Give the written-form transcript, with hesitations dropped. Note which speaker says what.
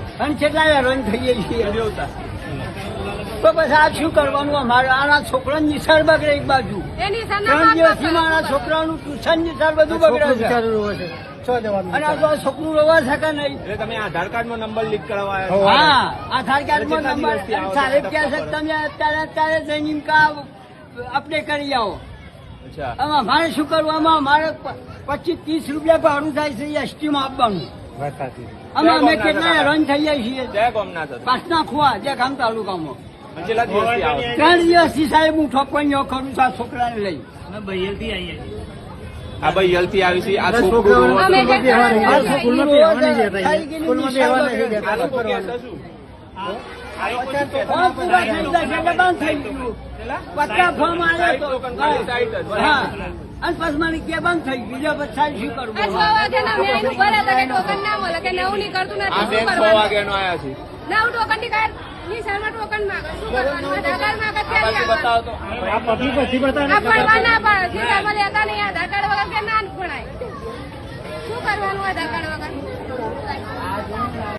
Speaker 1: અને કેટલા હેરાન થઈએ છીએ તો પછી આ શું કરવાનું અમારે આના છોકરાની નિશાળ બગડે એક બાજુ 3 દિવસથી મારા છોકરાનું ટ્યુશન નિશાળ બધું બગડે છે અને આ તો આ છોકરું રવા શકે નહીં.
Speaker 2: એટલે તમે આધાર કાર્ડ નો નંબર લીક કરાવવા
Speaker 1: હા આધાર કાર્ડ માં નંબર સાહેબ કહે છે તમે અત્યારે જઈને અપડેટ કરી આવો. આમાં અમારે શું કરવું? અમારે 25-30 રૂપિયા ભાડું થાય છે એસટી માં આપવાનું. અમે કેટલા હેરાન થઈએ છીએ. પાસના ખોવા જે ગામ તાલુકામાં 3 દિવસથી સાહેબ હું ઠોકવાઈઓ કરું છું આ છોકરાને લઈ.
Speaker 2: આ ભાઈ યલથી આવી છે. આ છોકરું
Speaker 1: અને પછી મને કે બંધ થઈ ગયું. પછી સાહેબ શું કરવું?
Speaker 3: 6 વાગ્યાના મેં એનું ભર્યા હતા કે ટોકન ના મળે કે નવું નહીં કરતું નથી.
Speaker 2: 6 વાગ્યાનો આવ્યા છે.
Speaker 3: નવું ટોકન ની કાર્ડ ની શર્મા ટોકન માંગે શું કરવાનું? આધાર કાર્ડ માંગે ક્યારે
Speaker 2: બતાવો તો
Speaker 3: ભણવા ના પડે. લેતા નહીં આધાર કાર્ડ વગર કે ના ભણાય. શું કરવાનું આધાર કાર્ડ વગર?